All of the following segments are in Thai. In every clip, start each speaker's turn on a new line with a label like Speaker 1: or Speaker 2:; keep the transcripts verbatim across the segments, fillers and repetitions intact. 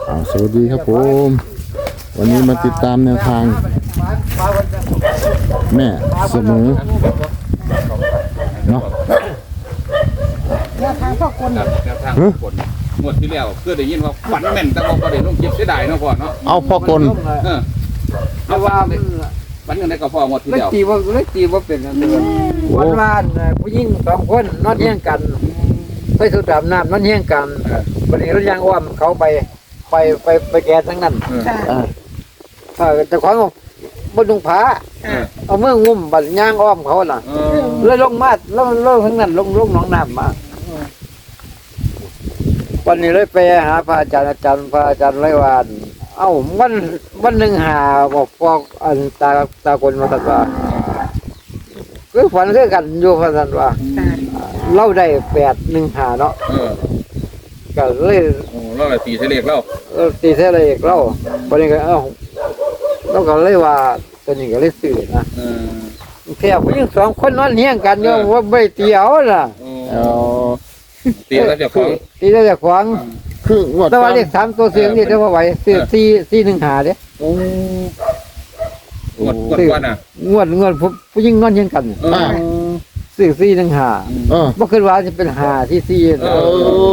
Speaker 1: สวัสดีครับผมวันนี้มาติดตามแนวทางแม่เสมอเนาะ
Speaker 2: แนวทางพ่อกล
Speaker 3: ครับแนวทางพ่อกลหมดที่แล้วเพื่อได้ยินว่าฝันแม่นแต่ว่าประเด็นต้องเก็บเสียดายเนาะพ่อเนาะ
Speaker 1: เอาพ่อกล
Speaker 3: เออ
Speaker 2: เพราะว่ามัน
Speaker 3: ฝันยังไงก็พ่อหมดที่
Speaker 2: เล็ก
Speaker 3: แล้ว
Speaker 2: ตีว่าเล็กตีว่าเป็นอันเดียววันวานผู้หญิงสองคนนอนเฮี้ยงกันไปสุดดำน้ำนอนเฮี้ยงกันวันนี้รถยางอ้อมเขาไปไปไปไปแก่ทั้งนั้น
Speaker 1: อ่า
Speaker 2: เออแต่ของบนดุงผา
Speaker 3: เออ
Speaker 2: เอาเมื่องุ่มบัดยางอ้อมเขาน่ะ
Speaker 3: เออ
Speaker 2: เลยลงมาแล้วลงทั้งนั้นลงลงหนองน้ำมาวันนี้เลยไปหาพระอาจารย์อาจารย์พระอาจารย์ไรวานเอ้าวันวันหนึ่งหาบอกพวกอันตาตาคนมาตัดว่าคือฝันคือกันอยู่พันว่าเล่าได้แปดหนึ่งหาเนาะ
Speaker 3: เออ
Speaker 2: ก็เลย
Speaker 3: โอ้เราเลยตีเสลียกแล้ว
Speaker 2: เออตีเท่าไรอีกเล่าวันนี้ก็เอ้าเราก็เลยว่าตัวนี้ก็เลยสื่อนะ
Speaker 3: เออ
Speaker 2: แค่ผู้หญิงสองคนนอนเฮี้ยงกันโยมว่าไม่ตีเอาน่ะ
Speaker 3: โอ้
Speaker 1: เอา
Speaker 3: ตีแล้วเจะของ
Speaker 2: ตีได้จากขวาง
Speaker 1: คืองวด
Speaker 2: แต่ว่าเลขสามตัวเสียงนี่เดี๋ยวพอไหวสี่สี่สี่หนึ่งหาเด้
Speaker 1: โอ้
Speaker 3: หมดหมดวันอ่ะ
Speaker 2: งวดงวดผู้ผู้หญิงนอนเฮี้ยงกัน
Speaker 3: เออ
Speaker 2: สี่สี่หนึ่งหา
Speaker 1: เออ
Speaker 2: บ่คิดว่าจะเป็นหาที่สี่
Speaker 3: เอ
Speaker 2: นะ
Speaker 1: โอ้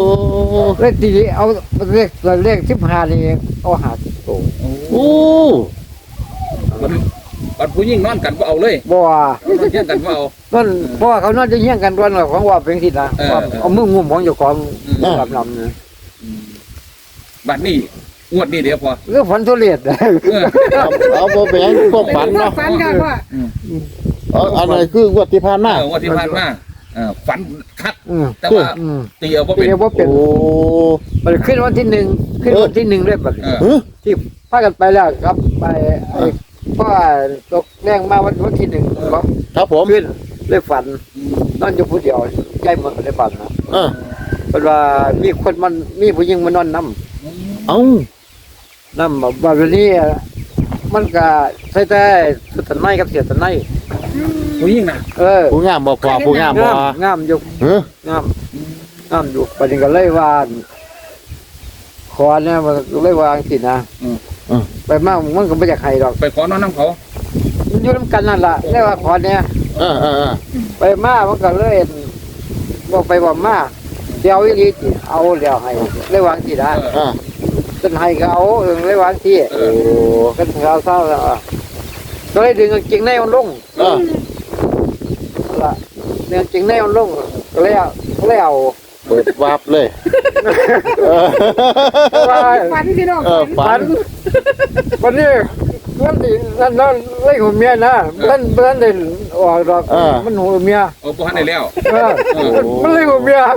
Speaker 2: เลขตีเอาเลขเลขสิบห้านี่เอาหาสิบตัว
Speaker 1: โอ้
Speaker 3: มันมันผู้หญิงนอนกันก็เอาเลย
Speaker 2: บ่ว่า
Speaker 3: นอนเที่ยงกันก็เอา
Speaker 2: นั่นเพราะว่าเขานอนจะเฮี้ยงกันวันของว่าเป็นสินะ
Speaker 3: เออ
Speaker 2: ว่าเอามืองุ่มของเจ้าของ
Speaker 3: เออ
Speaker 2: ลำลำนะ
Speaker 3: บัดนี้งวดนี้เดี๋ยวพอ
Speaker 2: เรื่องฝันทุเรศ
Speaker 3: เออ
Speaker 1: เอาเอาบ่แบ่งพวกฝันเนาะ
Speaker 4: ฝันค่ะพ่อ
Speaker 1: เอาอันไหนคืองวดที่ผ่านมา
Speaker 3: เอองวดที่ผ่านมาเออฝันคัก
Speaker 2: อืม
Speaker 3: แต่ว่า
Speaker 2: อืม
Speaker 3: ตีเอาก็
Speaker 2: เป็
Speaker 3: เป็น น
Speaker 2: ว่าเป็น
Speaker 1: โอ้
Speaker 2: มันขึ้นวันที่หนึ่งขึ้นวันที่หนึ่งด้วยบัดนี้
Speaker 3: เออ
Speaker 1: เฮ้ย
Speaker 2: ที่พากันไปแล้วครับไปไอ้พ่อตกแรงมาวันวันที่หนึ่งครับ
Speaker 1: ครับผม
Speaker 2: ขึ้นเลยฝันนอนอยู่ผู้เดียวใจหมดเลยฝันนะ
Speaker 1: เออ
Speaker 2: เพราะว่ามีคนมันมีผู้หญิงมานอนน้
Speaker 1: เอา
Speaker 2: ำน้ำแบบวันนี้มันก็ใส่แต่สุดสันไนกับเสียสันไน
Speaker 3: ผู้หญิงน่ะ
Speaker 2: เออ
Speaker 1: ผู้งามบ่พอผู้งามบ่
Speaker 2: งามงามอยู่
Speaker 1: เฮ้ย
Speaker 2: งามงามอยู่ประเด็นก็เลยว่าขอเนี่ยมันก็เลยวาจังสินะ
Speaker 3: อืม
Speaker 1: เออ
Speaker 2: ไปมากมันก็ไม่อยากให้ดอก
Speaker 3: ไปขอนอนน้ำเขา
Speaker 2: มันอยู่น้ำกันนั่นแหละเรียกว่าขอเนี่ย
Speaker 1: เออเออเออ
Speaker 2: ไปมามันก็เลยบอกไปบอกมาเดี๋ยวอีหลีสิเอาเดี๋ยวให้เลยวางสินะ
Speaker 3: เออ
Speaker 1: อ่า
Speaker 2: เป็นให้ก็เอาเออเลยวางที่
Speaker 3: เอ
Speaker 1: โอ้
Speaker 3: อ
Speaker 2: เป็นเขาเศร้าแล้วอ่ะก็เลยดึงกางเกงในมันลง
Speaker 1: เออ
Speaker 2: ละดึงกางเกงในมันลงก็เลยเอาก็เลยเอา
Speaker 1: เปิดวาบเลยเออ
Speaker 2: ว่า
Speaker 4: ฝันพี่น้อง
Speaker 1: เออ
Speaker 4: ฝั
Speaker 1: ฝั
Speaker 4: น
Speaker 1: น
Speaker 2: วันนี้วันนี้นั่นนั่นเล่หัวเมียนะเล่นเล่นเด่นออกดอกมันหัวเมีย
Speaker 3: โอ้พ่อให้แล้ว
Speaker 2: เออมันเลยหัวเมีย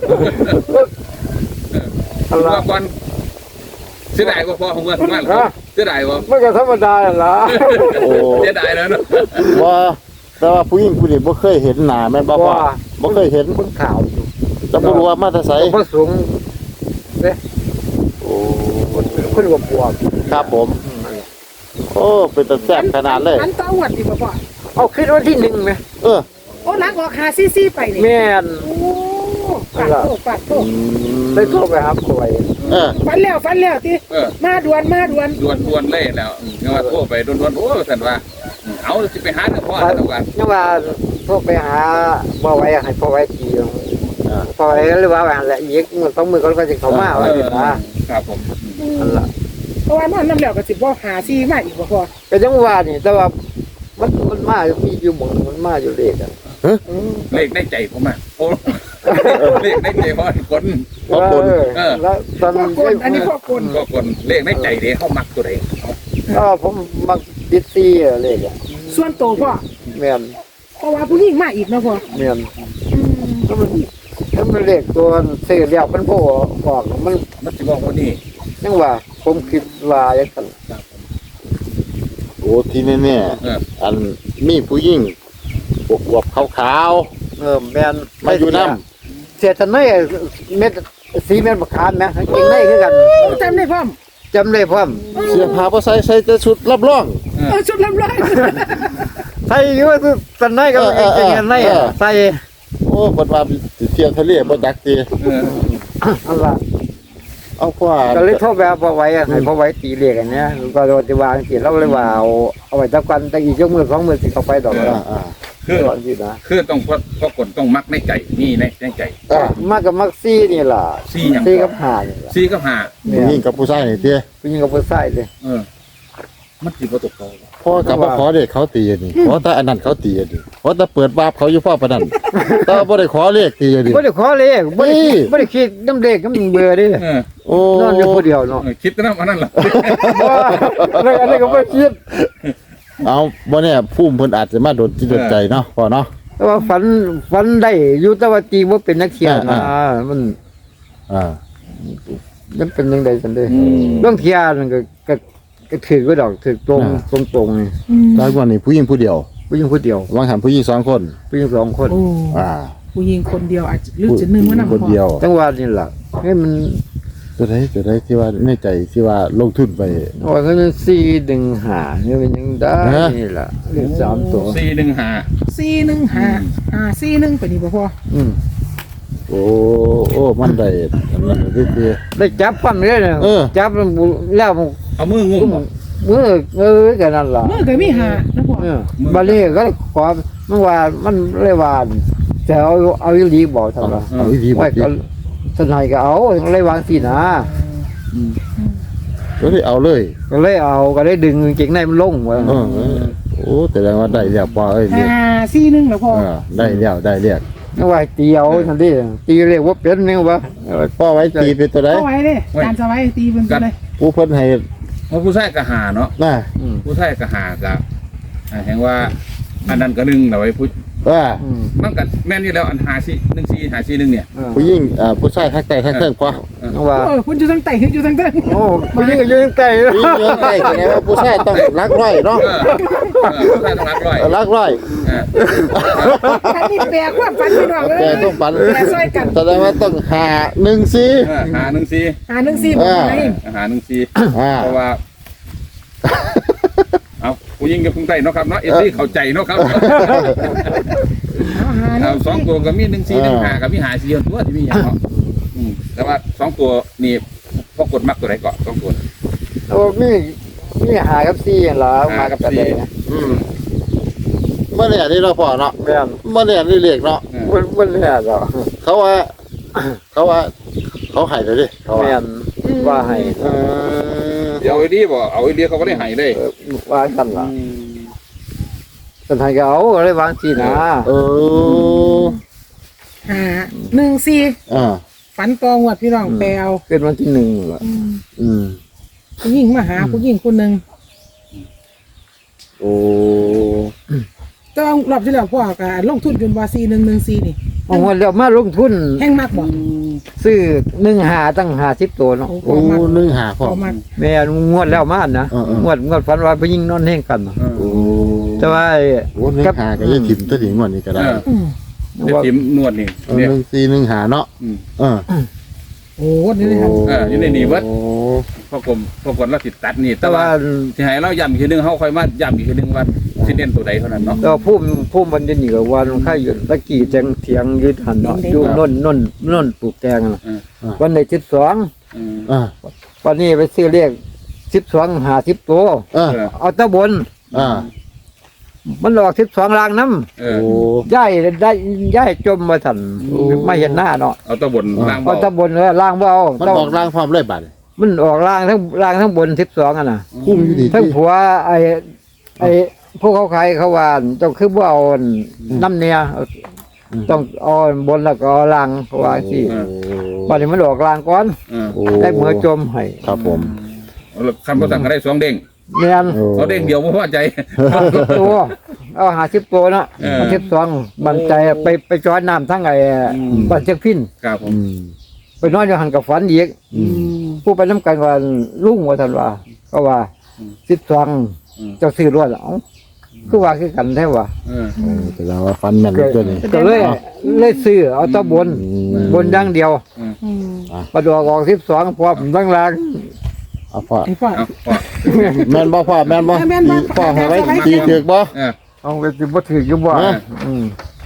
Speaker 2: อะไร
Speaker 3: ว่าก่อนเสียดายกว่าพ่อของเงินมากเสียดายว่า
Speaker 2: มันก็ธรรมดาแหละ
Speaker 1: โอ้
Speaker 3: เสียดายแล้วเนาะ
Speaker 1: ว่าแต่ว่าผู้หญิงผู้นี้บ่เคยเห็นหน้าแม่นบ่พ่อบ่เคยเห็น
Speaker 2: คนข่าว
Speaker 1: จะบ่รู้ว่ามาแต่ไส
Speaker 2: พระสูงเนี่ย
Speaker 1: โอ้
Speaker 2: คนรวมบวก
Speaker 1: ครับผม โอ้เป็นตาแซ่บขนาดเลย
Speaker 4: ฝันต่อหวดดีบ่พ่อ
Speaker 2: เอาขึ้นวันที่หนึ่งไหม
Speaker 1: เออ
Speaker 4: โอ้นักออกหาซีซีไปนี่
Speaker 2: แม่น
Speaker 4: โอ้ปาดโตปาดโต
Speaker 1: อืม
Speaker 2: ได้โทรไปหาป่วย
Speaker 1: เออ
Speaker 4: ฝันแล้วฝันแล้วติ
Speaker 3: เออ
Speaker 4: มาด่วนมาด่วน
Speaker 3: ดวนดวนเล่แล้วเงี้ยว่าโทรไปดวนดวนโอ้สันว่าเอาสิไปหาเรื่องพ่อแล้วกัน
Speaker 2: นี่ว่าโทรไปหาบ่ไว้ให้พ่อไว้ทีพ่อไว้หรือว่าอะไรอีกมันต้องมือก็จะเข้ามาว่าสินะครับ
Speaker 3: ผม
Speaker 2: อันละ
Speaker 4: เพราะว่านอนน้ำแล้วก็สิบ่หาซีมาอีกบ่พ่อ
Speaker 2: ก็ยังว่านี่แต่ว่ามันมันมามีอยู่หมองมันมาอยู่เลขอ่ะ
Speaker 3: เลขในใจผมอ่ะโอ้เลขในใจพ่อคน
Speaker 1: ขอบคุณ
Speaker 2: แล้วตอน
Speaker 4: พ่อกลอันนี้พ่อกล
Speaker 3: ก็คนเลขในใจเด้เขามักตัวใด
Speaker 2: ก็ผมมักดิซี่เลขอ่ะ
Speaker 4: ส่วนโตพ่อ
Speaker 2: แม่น
Speaker 4: เพราะว่าผู้หญิงมาอีกเนาะพ่อ
Speaker 2: แม่น
Speaker 4: อืม
Speaker 2: ก็มันมันเป็นเลขตัวซื้อแล้วมันโผล่ออกมัน
Speaker 3: มันสิบอกว่านี่
Speaker 2: ยังว่าผมคิดว่าอย่างนั้น
Speaker 1: โอ้ที่แน่
Speaker 3: เออ
Speaker 1: ๆอันมีผู้หญิงอวบๆขาว
Speaker 2: เออแม่น
Speaker 1: ๆมาอยู่นำ
Speaker 2: เสียทันไนเม็ดสีเม็ดมะขามนะเก่งได้คือกัน
Speaker 4: จำได้พร้อม
Speaker 2: จำได้พร้อม
Speaker 1: เสียผ้าบ่ใส่ใส่แต่ชุดรับรอง
Speaker 4: เออชุดลำร้อย
Speaker 2: ใส่อยู่ว่าทันไนก็เก่งทันไนใส่
Speaker 1: โอ้เพิ่นว่าสิเที่ยวทะเลบ่จักติ
Speaker 3: เออ
Speaker 2: อันละ
Speaker 1: เอาพ่อ
Speaker 2: ก็เลยโทรแบบพอไว้อะให้พอไว้ตีเรียกอันเนี้ยก็โดนจะวางตีเราเลยว่าเอาเอาไว้ตะกันแต่อีกยกมือสองมือสิเข้าไปดอก
Speaker 1: อ่า
Speaker 2: แล้ว
Speaker 1: อ่า
Speaker 3: คือ
Speaker 2: ก่อนสินะ
Speaker 3: คือต้องพอพอกดต้องมักในใจนี่ในในใจ
Speaker 1: อ่าม
Speaker 2: ากกับมักซี่นี่ล่ะ
Speaker 3: ซี่หยัง
Speaker 2: ซี่กับหานี่ล่ะ
Speaker 3: ซี่กับหา
Speaker 2: เนี่
Speaker 1: ผู้หญิ
Speaker 2: ย
Speaker 1: งกับผู้ชายนี่เตี้ย
Speaker 2: ผู้หญิงกับผู้ชายเลย
Speaker 3: เออมันสิบ่ตกเขา
Speaker 1: พ่อกลับมาขอเด็กเขาตีอันนี่ขอแต่อันนั้นเขาตีอันนี่ขอแต่เปิดวาบเขาอยู่พ่อประนันแต่ว่าบ่ได้ขอเลขตีอันนี่
Speaker 2: บ่ได้ขอเลขบ่ได้
Speaker 1: นี่
Speaker 2: บ่ได้คิดน้ำเลขน้ำเบื่อเดิ
Speaker 3: เออ
Speaker 1: โอ้
Speaker 2: นอนอยู่ผู้เดียวเนาะ
Speaker 3: เออคิดแต่นำอันนั้นล่ะ
Speaker 2: บ่อะไรอะไรก็บ่คิด
Speaker 1: เอาบ่เนี่ยภูมิเพิ่นอาจจะมาโดนจิตโดนใจเนาะพ่อเนาะ
Speaker 2: แต่ว่าฝันฝันได้อยู่แต่ว่าตีบ่เป็นนักเที่ยวนะ
Speaker 1: อ่า
Speaker 2: มัน
Speaker 1: อ่า
Speaker 2: มันเป็นจังได๋ซั่นเด้
Speaker 3: อืม
Speaker 2: เรื่องเที่ยวนั่นก็ก็ก็ถือไว้ดอกถือตรง
Speaker 1: อ่า
Speaker 2: ตรงตรงๆนี่
Speaker 4: อืม
Speaker 1: ตอนก่อนนี่ผู้หญิงผู้เดียว
Speaker 2: ผู้หญิงผู้เดียว
Speaker 1: วางหันผู้หญิงสองคน
Speaker 2: ผู้หญิงสองคน
Speaker 4: โอ้
Speaker 1: อ่า
Speaker 4: ผู้หญิงคนเดียวอาจจะหรือจะหนึ่งว่านำ
Speaker 1: คนเดียว
Speaker 2: จังหวะนี่ล่ะให้มัน
Speaker 1: ตัวใดตัวใดที่ว่าในใจที่ว่าลงทุนไป
Speaker 2: ว่าก็มันสี่ดึงหาเนี่ยมันยังได้
Speaker 1: ฮะ
Speaker 2: นี่ล่ะเลขสามตัว
Speaker 3: สี่หนึ่งห้า
Speaker 4: สี่หนึ่งห้าอ่าสี่หนึ่งไปนี่บ่พอ
Speaker 2: อืม
Speaker 1: โอ้โอ้มันได้อันนั้นก็คือ
Speaker 2: ได้จับปั้นเลยเนี่ย
Speaker 1: เออ
Speaker 2: จับมันแล้วมัน
Speaker 3: เอามืองุ้มบ่
Speaker 2: มือเออกันนั่นล่ะ
Speaker 4: เมื่อก็มีห้านะพ่อ
Speaker 2: เออบัดนี้ก็เลยขอมันว่ามันเลยว่าแต่เอาเอาอีหลีบอกทำล่ะ
Speaker 1: เอาอีดีบ่
Speaker 2: ไว้
Speaker 1: ดี
Speaker 2: ก็สนายก็เอาเลยวางสินะ
Speaker 1: ก็ได้เอาเลย
Speaker 2: ก็เลยเอาก็เลยดึงกางเกงในมันลงว่า
Speaker 1: เออโอ้แต่แสดงว่าได้แล้วพ่อเอ้ยเรียก
Speaker 4: ห้าสี่หนึ่งแล้วพ่อ
Speaker 1: เออได้แล้วได้เรียก
Speaker 2: นึกว่าตีเอาทันทีตีเรียกว่าเป็นนี่ว่า
Speaker 1: พ่อไว้ตีเป็นตัวใด
Speaker 4: เอาไว้เลยการสไว้ตีเป็นตัวเลย
Speaker 1: ผู้เพิ่นให้
Speaker 3: เพราะผู้ชายก็หาเนาะ
Speaker 1: น่ะ
Speaker 2: อืม
Speaker 3: ผู้ชายก็หาก็อ่าแห่งว่าอันนั้นก็หนึ่งเอาไว้ผู้
Speaker 1: ว่า
Speaker 2: อืม
Speaker 3: มันก็แม่นอยู่แล้วอันหาซี่หนึ่งซี่หาซี่หนึ่งเนี่ย
Speaker 2: เออ
Speaker 1: ผู้หญิงอ่าผู้ชายทักใจทักเทิงพ่อ
Speaker 2: นึกว่า
Speaker 4: เออคุณอยู่ทางใต้คุณอยู่ทางใต้
Speaker 2: โอ้ผู้หญิงก็ยืนไกล
Speaker 1: ผู้หญิงเยอะใจแสดงว่าผู้ชายต้องรักร้อยเนาะ
Speaker 3: เออเออผู้ชายต้องรักร้อย
Speaker 1: รักร้อย
Speaker 3: เออ
Speaker 4: อันนี้แปลกว่าฟันพี่น้องเอ้
Speaker 1: แต่
Speaker 4: ย
Speaker 1: ต้องปัน
Speaker 4: แปลซอยกัน
Speaker 1: แสดงว่าต้องหาหนึ่งสี่
Speaker 3: เออหาหนึ่งซี่
Speaker 4: หาหนึ่งสี่บ่ไหน
Speaker 3: หาหนึ่งซี่
Speaker 1: อ่า
Speaker 3: เพราะว่า เอาผู้หญิงกับผู้ชายเนาะครับเนาะเอฟซีเข้าใจเนาะครับ
Speaker 4: เอาหาห
Speaker 3: เอา
Speaker 4: นึ่ง
Speaker 3: สองตัวก็มีหนึ่งซี่หนึ่งหากับมีหาซี่ตัวที่มีอย่างเนาะอืมแต่ว่าสองตัวนี่พอกดมักตัวไหนก่อนสองตัว
Speaker 2: โอ้มีมีหากับซี่เหรอมากับกระเดง
Speaker 1: อืมเมื่อเนี่ยนี่เราะพ่อเนาะ
Speaker 2: แม่น
Speaker 1: เมื่อเนี่ยนี่เรียกเนาะ
Speaker 3: เออ
Speaker 2: มันมันเนี่ยเหรอ
Speaker 1: เขาว่า เขาว่า เขาใหายเลยดิเขาว่า
Speaker 2: แม่นว่าให้
Speaker 1: เออ
Speaker 3: เดี๋ยวเอาไอ้ดีบ่เอาไอ้ดีเขาก็ได้ใหายเลย
Speaker 2: เออว่ากันล่ะสนายก็เอาก็เลยวางสินะ
Speaker 1: เออ
Speaker 4: หาหนึ่งสี่
Speaker 1: อ่า
Speaker 4: ฝันตองวดพี่น้องแปลว
Speaker 2: เกิดวันที่หนึ่งล่ะ
Speaker 4: อืม
Speaker 1: อืม
Speaker 4: ผู้หญิงมาหาผู้หญิงคนหนึ่ง
Speaker 1: โอ้
Speaker 4: แต่ว่ารอบที่แล้วพ่อก็ลงทุนจนว่าสี่หนึ่งหนึ่งสี่นี่
Speaker 2: เอาวันแล้วมาลงทุน
Speaker 4: แห้งมากบ่
Speaker 2: ซื้อหนึ่งหาตั้งหาสิบตัวเนาะ
Speaker 4: โอ้
Speaker 1: โอ้
Speaker 4: มาก
Speaker 1: นึ่งหาพ่อ
Speaker 4: พอมาก
Speaker 2: แม่นงวดแล้วมานะ
Speaker 1: เออเออ
Speaker 2: งวดงวดฝันว่าไปยิงนอนแห้งกันเนาะ
Speaker 1: โอ้
Speaker 2: แต่ว่าไอ้
Speaker 1: โหนึ่งหาก็ยังถิ่มตัวถิ่มวันนี้ก็ได้
Speaker 3: เออ
Speaker 4: อืม
Speaker 3: เดี๋ยวทิมนวดนี่
Speaker 1: เออ
Speaker 3: เนี่ย
Speaker 1: หนึ่งสี่หนึ่งหาเนาะ
Speaker 3: อืม
Speaker 1: เออ
Speaker 4: โอ้นี่เลยครับ
Speaker 3: เอออยู่ในนี่เบิด
Speaker 1: โอ้
Speaker 3: พอกลมพอกลเราติดตัดนี่ แต่
Speaker 2: แต่
Speaker 3: ว่า
Speaker 2: ว่า
Speaker 3: ที่ให้เราย้ำอีกทีหนึงเขาค่อยมาย้ำอีกทีหนึงว่าสิเน้นตัวใดเท่านั้นเนาะ
Speaker 2: แต่ว่าพุ่มพุ่มมันจะหนีกับวันข้าอยู่ตะกี้แจงเถียงอยืดหันเนาะอยู่นนนนนนปลูกแตงน่ะ
Speaker 3: เออ
Speaker 2: วันไหนสิบสอง
Speaker 3: เออ
Speaker 1: อ่า
Speaker 2: วันนี้ไปซื้อเลขสิบสองหาสิบตัว
Speaker 1: อ่า
Speaker 3: เออ
Speaker 2: เอาตะบน
Speaker 1: อ่า
Speaker 2: มันหลอกสิบสองลางน้
Speaker 3: เอ
Speaker 1: โอ้
Speaker 3: อ
Speaker 2: ำย่ายได้ย่ายจมมาทัน
Speaker 1: โอ้
Speaker 2: ไม่เห็นหน้าเนาะ
Speaker 3: เอาตัวบนล่าง
Speaker 2: เอา
Speaker 3: เบา
Speaker 2: ตะบนเลยล่างเบา
Speaker 1: มัน
Speaker 2: ต้อง
Speaker 1: บอกร่างความเลยบัด
Speaker 2: มันออกล่างทั้งล่างทั้งบนสิบสองอ่ะนะ
Speaker 1: คุ้มอยู่ดี
Speaker 2: ทั้งผัวไอ้ไอ้พวกเขาขายเขาว่าต้องคือว่าเอาน้ำเนี่ยต้องเอาบนแล้วก็เอาล่างเขาว่าสิ
Speaker 1: โอ้
Speaker 2: วันนี้มันออกล่างก่อน
Speaker 3: เออ
Speaker 1: โอ้
Speaker 2: ได้มือจมให้
Speaker 1: ครับผม
Speaker 3: เอาละคำประสั่งก็ได้สองเด้ง
Speaker 2: เนียน
Speaker 1: โอ้
Speaker 3: เอาเด้งเดียวไม่พอใจ
Speaker 2: ห้าสิบตัวเอาหาสิบตัวเนาะ
Speaker 3: เออ
Speaker 2: หาสิบสองบันใจไปไปจอยน้ำทั้งไอ้
Speaker 3: อืม
Speaker 2: บันเจ็กพิน
Speaker 3: ครับผม
Speaker 1: อืม
Speaker 2: ไปนอนอยู่หันกับฝันอีก
Speaker 1: อืม
Speaker 2: ผู้ไปน้ำกันว่าลุงว่าท่านว่าก็ว่าสิบสอง
Speaker 3: อืม
Speaker 2: เจ้าซื้อรวดเอ้าคือว่าคือกันแท้ว่า
Speaker 3: เออ
Speaker 1: โอ้แต่เราว่าฟันแม่นตัวนี้
Speaker 2: ก็เลยเลยซื้อเอาแตะบน
Speaker 1: อืม
Speaker 2: บนดังเดียว
Speaker 4: อืม
Speaker 2: ประดอกออกสิบสองพร้อมทั้งล่าง
Speaker 1: เอาพ่อ
Speaker 4: ไอ้พ่อ
Speaker 3: เอาพอ
Speaker 1: แม่นบ่พ่อแม่นบ่
Speaker 4: แม่นบ่
Speaker 1: พ่อให้ไว้ตีเถือกบ่
Speaker 3: เออ
Speaker 2: เอาไปสิบ่ถืออยู่บ่
Speaker 1: เออ
Speaker 2: อืม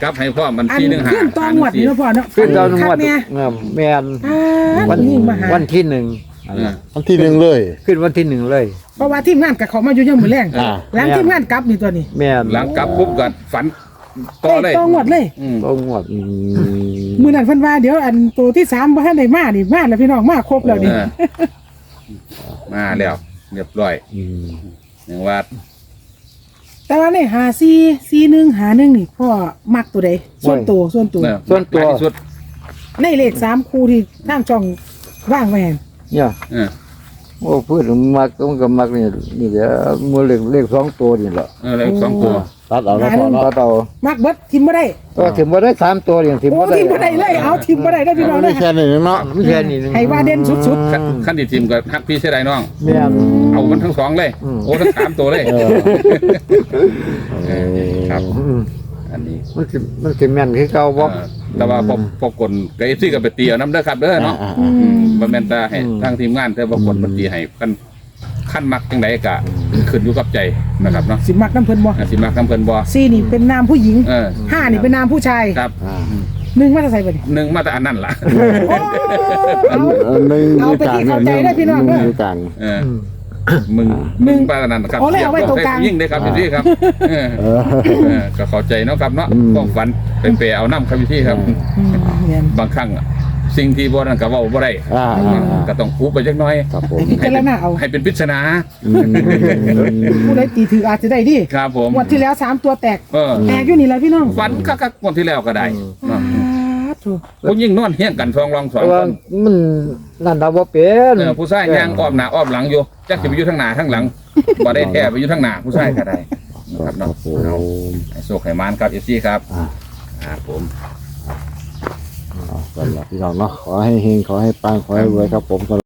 Speaker 3: กลับให้พ่อมัน
Speaker 4: อัน
Speaker 3: สี่หนึ่งห้า
Speaker 4: ขึ้นตองหวดนี่เนาะพ่อเนาะ
Speaker 2: ขึ้นดาวหน
Speaker 4: คั
Speaker 2: ว
Speaker 4: ก
Speaker 2: ด
Speaker 4: เนี่ย
Speaker 2: เออแม่น
Speaker 4: อ่า
Speaker 2: วัน
Speaker 4: ผู้หญิงมาหา
Speaker 2: วันที่หนึ่ง
Speaker 3: เออ
Speaker 1: วันที่หนึ่งเลย
Speaker 2: ขึ้นวันที่หนึ่งเลย
Speaker 4: เพราะว่าทีมงานกับเขามาอยู่ยังมือแรง
Speaker 1: อ่า
Speaker 4: หลังทีมงานกลับนี่ตัวนี้
Speaker 2: แม่น
Speaker 3: หลังกลับปุ๊บก็ฝันต่อเลย
Speaker 4: ตองหวดเลย
Speaker 3: อืม
Speaker 2: ตองหวดอืม
Speaker 4: มือนั้นเพิ่นว่าเดี๋ยวอันตัวที่สามบ่ทันได้มานี่มาแล้วพี่น้องมาครบแล้วนี่
Speaker 3: เออมาแล้วเรียบร้อย
Speaker 2: อืม
Speaker 3: อย่างว่า
Speaker 4: แต่ว่าในหาซีซีหนึ่งหาหนึ่งนี่พ่อมักตัวใดส่วนตัวส่วนตัว
Speaker 3: เออหลายที่สุด
Speaker 4: ในเลขสามคู่ที่ทางช่องว่างไว้ให้
Speaker 2: เนี่ย
Speaker 3: เออ
Speaker 2: โอ้พูดถึงมักมันก็มักนี่นี่เดี๋ยวมือเลขเลขสองตัวนี่แหละ
Speaker 3: เออเลขสองตัว
Speaker 1: ตัดเอาแล้วพอเนาะ
Speaker 2: ก็เอา
Speaker 4: มักเบิดทิมบ่ได้
Speaker 2: ก็ถึงบ่ได้สามตัวอย่างถึง
Speaker 4: โอ้
Speaker 2: บ่ได้
Speaker 4: ทิมบ่ได้เลยเอาทิมบ่ได้ได้อพี่น้อง
Speaker 1: ไม่
Speaker 4: นะ
Speaker 1: แค่นี้เนาะ
Speaker 2: ไม่แค่นี้นึง
Speaker 4: ให้ว่าเด่นสุด
Speaker 3: ขั้นขั้นที่ทีมกับฮักพี่เสียดายน้อง
Speaker 2: แม่น
Speaker 3: เอามันทั้งสองเลย
Speaker 2: อืม
Speaker 3: โอ้ทั้งสามตัวเลย
Speaker 1: เออ
Speaker 3: เออครับ
Speaker 2: อืม
Speaker 3: อันนี้
Speaker 2: มันสิมันสิแม่นคือเก่าบ่
Speaker 3: เออแต่ว่าพอพอกลกับเอฟซีกับไปตีเอาน้ำเด้อครับเด้อเนาะ
Speaker 1: อ่า
Speaker 4: ๆอื
Speaker 3: อื
Speaker 4: ม
Speaker 3: มบ่แม่นแต่ให้ทางทีมงานเธอบ่กดบัญชีให้กันขั้นมักจังไดก็ขึ้นอยู่กับใจนะครับเนาะ
Speaker 4: สิมักน้ำเพิ่นบ่
Speaker 3: อ่ะสิมักนำเพิ่นบ่
Speaker 4: ซีนี่เป็นนามผู้หญิง
Speaker 3: เออ
Speaker 4: ห้านี่เป็นนามผู้ชาย
Speaker 3: ครับ
Speaker 1: อ่า
Speaker 4: หนึ่งมาจะใส่บ่นี่
Speaker 3: หนึ่งมาแต่อันนั้นล่ะ
Speaker 4: โอ้เอา
Speaker 1: เออหนึ่ง
Speaker 4: เอาไปที่เข้าใจได้พี่น้อง
Speaker 1: ห
Speaker 4: เด้อ
Speaker 1: อยู่กลาง
Speaker 3: เออมึงมึงปานนั้นครับ
Speaker 4: เอาเลยเอาไว้ตรงกลาง
Speaker 3: ยิ่งได้ครับพี่ครับเออ
Speaker 1: เออ
Speaker 3: เออก็เข้าใจเนาะครับเนาะ
Speaker 1: อืม
Speaker 3: ต้องฝันไปเปเอาน้ำครับพี่ครับ
Speaker 4: อืมเนี่ย
Speaker 3: บางครั้งอะสิ่งที่บ่นั่นก็เว้าบ่ได้
Speaker 1: อ่าอ่าอ่า
Speaker 3: ก็ต้องคูไปจักหน่อย
Speaker 1: ครับผม
Speaker 4: พิจารณาเอา
Speaker 3: ให้เป็นปริศนา
Speaker 1: อืม
Speaker 4: ผู้ใดตีถืออาจจะได้ดิ
Speaker 3: ครับผม
Speaker 4: งวันที่แล้วสามตัวแตก
Speaker 3: เออ
Speaker 4: แตกอยู่นี่แหละพี่น้อง
Speaker 3: ฝันก็ก็งวดที่แล้วก็ได้เนาะ
Speaker 4: อ่าถูก
Speaker 3: ผู้ยิ่งนอนเฮี้ยงกันสองรองสอง
Speaker 2: แต่
Speaker 3: ค
Speaker 2: ว่าน มันนั่นเราบ่เป็น
Speaker 3: เออผู้ชายย่างอ้อมหน้าอ้อมหลังอยู่จักสิไปอยู่ทางหน้าทางหลังบ่ได้แท้ไปอยู่ทางหน้าผู้ชายก็ได้นะครับ
Speaker 1: ครั
Speaker 3: เนาะ
Speaker 1: บผม
Speaker 3: เอาให้โชคให้มานครับเอฟซีครับ
Speaker 1: อ่า
Speaker 3: ครับผม
Speaker 1: เอาสำหรับพี่น้องเนาะขอให้เฮงขอให้ปังขอให้รวยครับผม